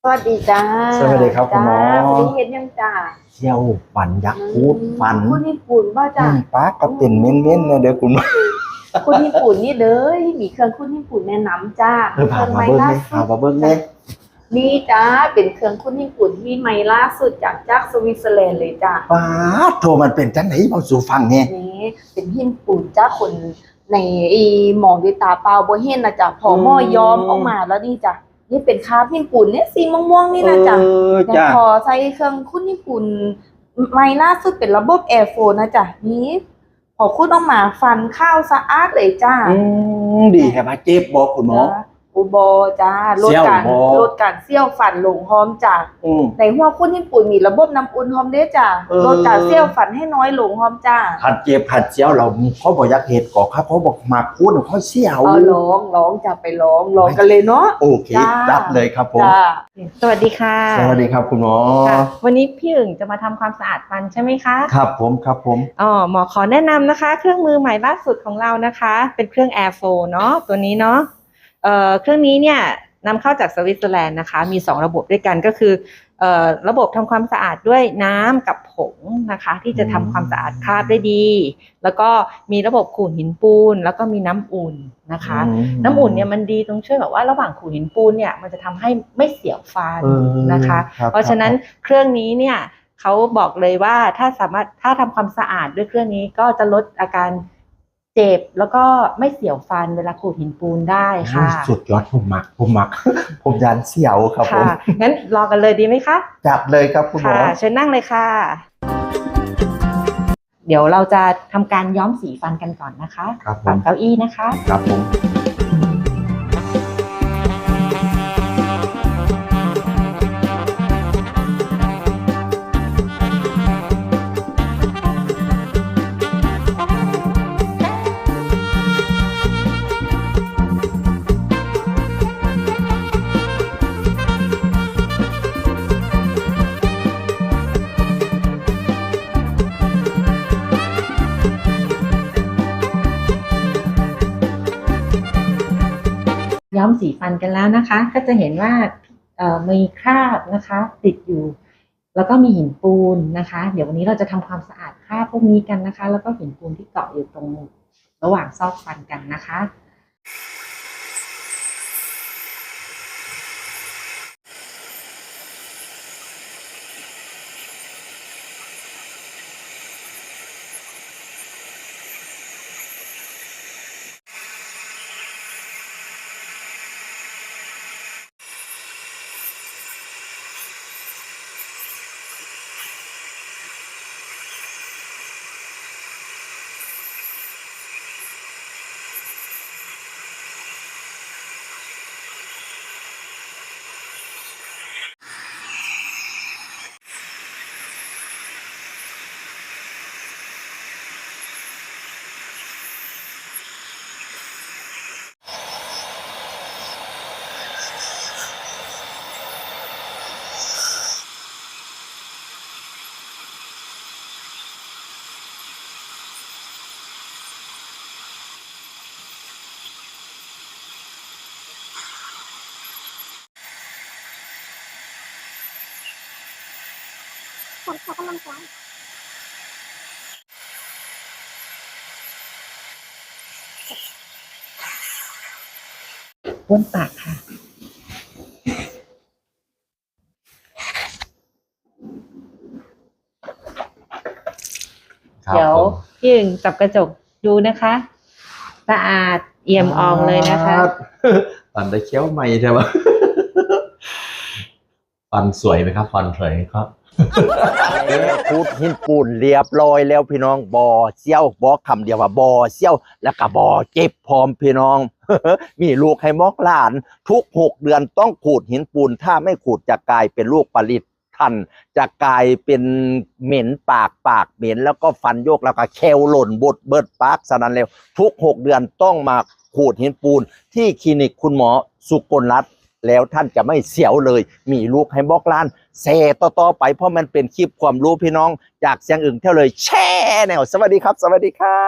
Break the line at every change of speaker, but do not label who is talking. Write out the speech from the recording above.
วัสดีจ้า
สวัสดีครับคุณหมอ
วันนี้เห็นยังจ้า
เที่ยวฝันยักษ์พูดฝัน
คุณญี่ปุ่นว่าจ้า
ป้าก็เป็นเม้นๆนะเดี๋ยวคุณหมอ
คุณญี่ปุ่นนี่เด้อมีเครื่องคุณญี่ปุ่นแนะนำจ้า
พามาเบิ้งเลยพามาเบิ้งเลย
นี่จ้าเป็นเครื่องคุณญี่ปุ่นที่ใหม่ล่าสุดจากสวิตเซอร์แลนด์เลยจ้า
ป้าโทรมันเป็นจังไหนเบาสู่ฟังเนี่ย
นี่เป็นญี่ปุ่นจ้าคนในมองด้วยตาเปล่าบ่เห็นนะจ้ะพอหม้อยอมออกมาแล้วนี่จ้ะนี่เป็นคราฟญี่ปุ่นเนี่ยสีม่วงๆนี่นะจ้ะแต่พอใช้เครื่องคุณญี่ปุ่นใหม่ล่าสุดเป็นระบบแอร์โฟนนะจ้ะนี่พอคุณออกมาฟันข้าวสะอาดเลยจ้า
ดีแค่มาเจ็บบอกคุณหมอ
อุโบจ้าลดการเซี่ยวฟันลงหอมจ้าในหัวคุณญี่ปุ่นมีระบบน้ำอุ่นหอมเด้จ้าลดการเซี่ยวฟันให้น้อยลงหอมจ้า
ผัดเจ็บผัดเสียวเราเขาบอกยักเหตุก่อครับเขาบอกมาพูดเขาเสียว
ร้องจะไปร้องกันเลยเนาะ
โอเครับเลยครับผม
สวัสดีค่ะ
สวัสดีครับคุณหมอ
วันนี้พี่อึ่งจะมาทำความสะอาดฟันใช่ไหมคะ
ครับผม
หมอขอแนะนำนะคะเครื่องมือใหม่ล่าสุดของเรานะคะเป็นเครื่อง Airflow เนาะตัวนี้เนาะเครื่องนี้เนี่ยนำเข้าจากสวิตเซอร์แลนด์นะคะมี2ระบบด้วยกันก็คือระบบทำความสะอาดด้วยน้ำกับผงนะคะที่จะทำความสะอาดคราบได้ดีแล้วก็มีระบบขูดหินปูนแล้วก็มีน้ำอุ่นนะคะน้ำอุ่นเนี่ยมันดีตรงช่วยแบบว่าระหว่างขูดหินปูนเนี่ยมันจะทำให้ไม่เสียวฟันนะคะเพราะฉะนั้นเครื่องนี้เนี่ยเขาบอกเลยว่าถ้าทำความสะอาดด้วยเครื่องนี้ก็จะลดอาการเจ็บแล้วก็ไม่เสียวฟันเวลาขูดหินปูนได้ค่ะ
สุดยอดผมมักผมยันเสียวครับผม
งั้นรอกันเลยดีไหมคะ
จับเลยครับคุณหมอ
เชิญนั่งเลยค่ะเดี๋ยวเราจะทำการย้อมสีฟันกันก่อนนะคะปรับเก้าอี้นะคะ
ครับผม
ย้อมสีฟันกันแล้วนะคะก็จะเห็นว่ามีคราบนะคะติดอยู่แล้วก็มีหินปูนนะคะเดี๋ยววันนี้เราจะทำความสะอาดคราบพวกนี้กันนะคะแล้วก็หินปูนที่เกาะอยู่ตรงระหว่างซอกฟันกันนะคะบ้วนปากค่ะเดี๋ยวพี่อึ่งจับกระจกดูนะคะสะอาดเอี่ยมอ่องเลยนะคะ
ฟันได้เคี้ยวใหม่ใช่ไหมฟันสวยไหมครับฟันสวยครับ
พูดหินปูนเรียบร้อยแล้วพี่น้องบ่อเซี่ยวบอกคำเดียวว่าบ่อเซี่ยวแล้วก็บ่อเจ็บพร้อมพี่น้อง มีลูกให้มอกหลานทุก6 เดือนต้องขูดหินปูนถ้าไม่ขูดจะกลายเป็นลูกปลิดทันจะกลายเป็นเหม็นปากเหม็นแล้วก็ฟันโยกแล้วก็แควหล่นบดเบิดปากสนั่นเร็วทุก6 เดือนต้องมาขูดหินปูนที่คลินิกคุณหมอสุกลรัตน์แล้วท่านจะไม่เสียวเลยมีลูกให้บอกล้านแซ่ต่อไปเพราะมันเป็นคลิปความรู้พี่น้องจากเสียงอึ่งเท่าเลยแช่แนวสวัสดีครับ